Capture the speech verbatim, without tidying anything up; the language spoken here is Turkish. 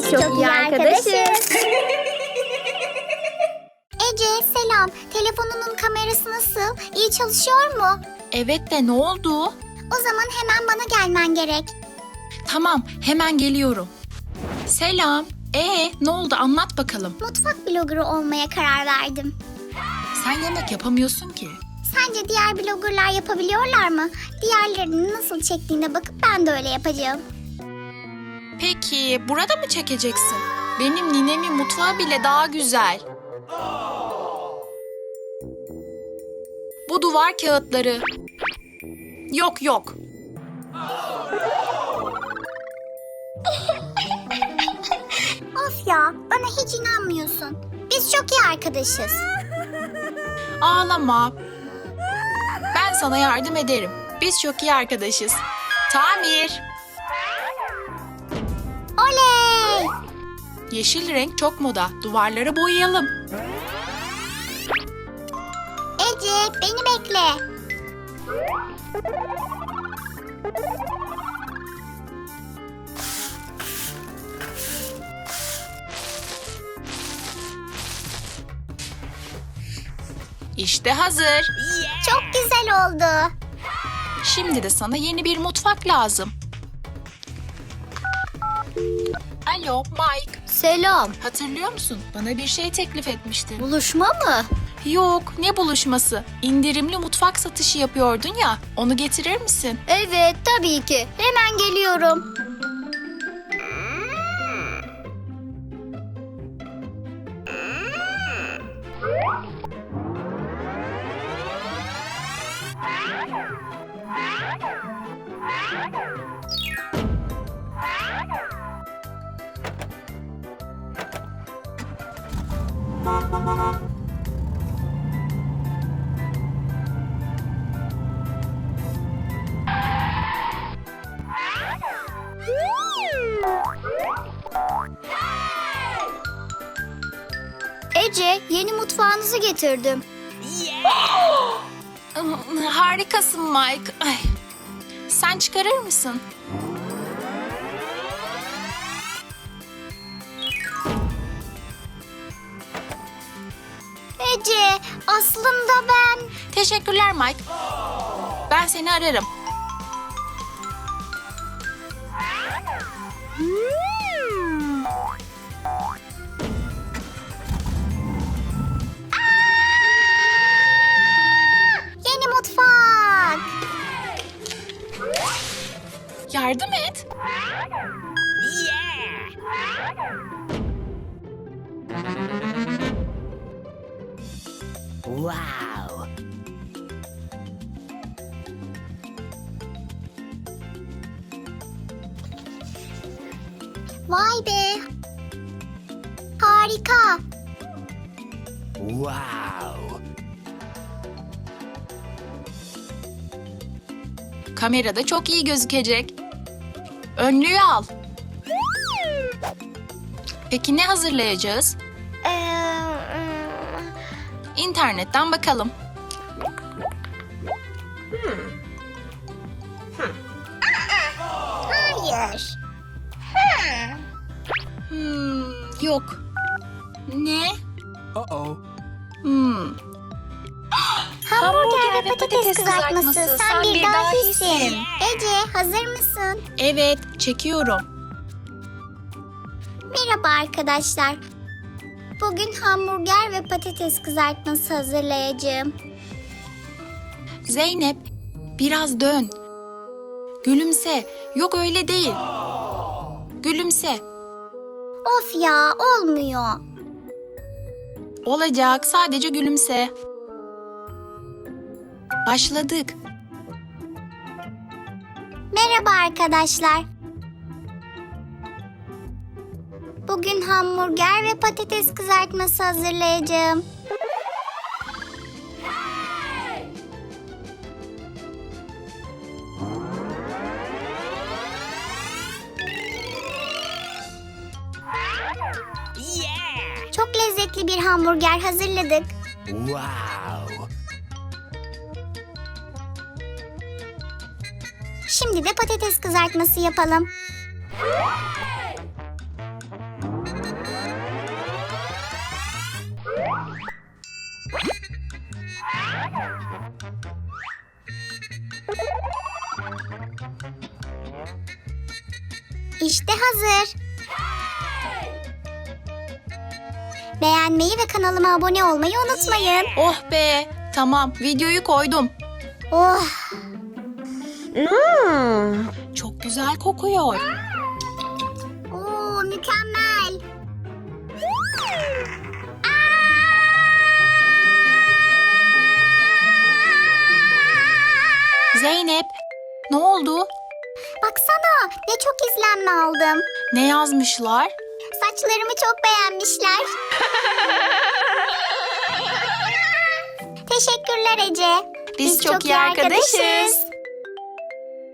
Biz çok iyi arkadaşız. Ece selam. Telefonunun kamerası nasıl? İyi çalışıyor mu? Evet de ne oldu? O zaman hemen bana gelmen gerek. Tamam, hemen geliyorum. Selam. Ee, ne oldu? Anlat bakalım. Mutfak bloggerı olmaya karar verdim. Sen yemek yapamıyorsun ki. Sence diğer bloggerlar yapabiliyorlar mı? Diğerlerinin nasıl çektiğine bakıp ben de öyle yapacağım. Peki, burada mı çekeceksin? Benim ninemin mutfağı bile daha güzel. Bu duvar kağıtları. Yok yok. Of ya, bana hiç inanmıyorsun. Biz çok iyi arkadaşız. Ağlama. Ben sana yardım ederim. Biz çok iyi arkadaşız. Tamir. Oley! Yeşil renk çok moda. Duvarları boyayalım. Ece, beni bekle. İşte hazır. Çok güzel oldu. Şimdi de sana yeni bir mutfak lazım. Alo Mike. Selam. Hatırlıyor musun? Bana bir şey teklif etmiştin. Buluşma mı? Yok, ne buluşması? İndirimli mutfak satışı yapıyordun ya. Onu getirir misin? Evet, tabii ki. Hemen geliyorum. Ece, yeni mutfağınızı getirdim. Harikasın Mike. Ay. Sen çıkarır mısın? Ece, aslında ben... Teşekkürler Mike. Ben seni ararım. Yeni mutfak. Yardım et. Wow. Vay be. Harika. Wow. Kamerada çok iyi gözükecek. Önlüğü al. Peki ne hazırlayacağız? Ee, İnternetten bakalım. hayır. Hmm, yok. Ne? Uh-oh. Hmm. Hamburger ve patates kızartması. Sen bir dahisin. Ece, hazır mısın? Evet, çekiyorum. Merhaba arkadaşlar. Bugün hamburger ve patates kızartması hazırlayacağım. Zeynep, biraz dön. Gülümse. Yok öyle değil. Gülümse. Of ya, olmuyor. Olacak, sadece gülümse. Başladık. Merhaba arkadaşlar. Bugün hamburger ve patates kızartması hazırlayacağım. Çok lezzetli bir hamburger hazırladık. Wow. Şimdi de patates kızartması yapalım. İşte hazır. Beğenmeyi ve kanalıma abone olmayı unutmayın. Oh be. Tamam, videoyu koydum. Oh, Çok güzel kokuyor. oo, mükemmel. Zeynep, ne oldu? Baksana, ne çok izlenme aldım. Ne yazmışlar? Saçlarımı çok beğenmişler. Teşekkürler Ece. Biz çok iyi arkadaşız.